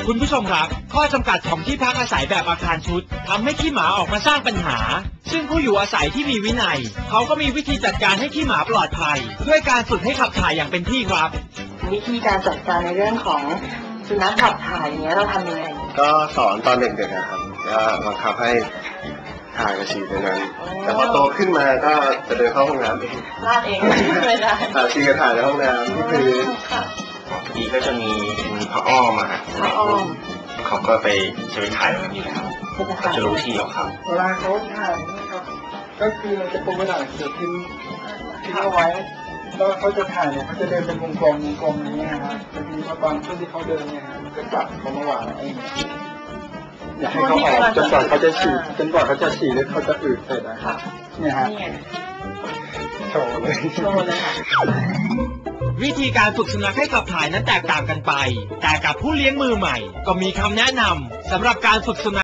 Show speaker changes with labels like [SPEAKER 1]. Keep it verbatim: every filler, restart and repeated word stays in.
[SPEAKER 1] คุณผู้ชมครับข้อจำกัดของที่พักอาศัยแบบอาคารชุดทำให้ขี้หมาออกมาสร้างปัญหาซึ่งผู้อยู่อาศัยที่มีวินัยเขาก็มีวิธีจัดการให้ขี้หมาปลอดภัยด้วยการฝึกให้ขับถ่ายอย่างเป็นที่ครับ
[SPEAKER 2] วิธีการจัดการในเรื่องของสุนัขขับถ่ายเนี้ยเราทำยังไง
[SPEAKER 3] ก็สอนตอนเด็กๆนะครับก็บังคับให้ถ่ายกระฉี่ตรงนั้นแต่พอโตขึ้นมาก็จะเดินเข้าห้องน้ำเอง
[SPEAKER 2] ลาดเองไม่ได้
[SPEAKER 3] ถ่ายฉี่กับถ่ายในห้องน้ำที่พื้นทีก็จะมีมีพระอ้อมอะครับ
[SPEAKER 2] พระอ้อม
[SPEAKER 3] เขาก็ไปจะไปถ่ายแบบนี้นะครับก็จะรู้ที่ของเขา
[SPEAKER 4] เวลาเขาถ่ายนะครับก็คือเราจะปรุงกระดาษเสือพิมพ์ทิ้งเอาไว้แล้วเขาจะถ่ายเนี่ยเขาจะเดินเป็นวงกลมวงกลมอย่างนี้นะครับบางทีเขาบางช่วงที่เขาเดินเนี่ยก็จับเขามาวางเองอยากให้เขาออกจนกว่าเขาจะฉี่จนกว่าเขาจะฉี่หรือเขาจะอืดเสร็จนะครับเนี่ยฮะโชว์เลย
[SPEAKER 2] โชว์เลยค่ะ
[SPEAKER 1] วิธีการฝึกสุนัขให้ขับถ่ายนั้นแตกต่างกันไปแต่กับผู้เลี้ยงมือใหม่ก็มีคำแนะนำสำหรับการฝึกสุนัข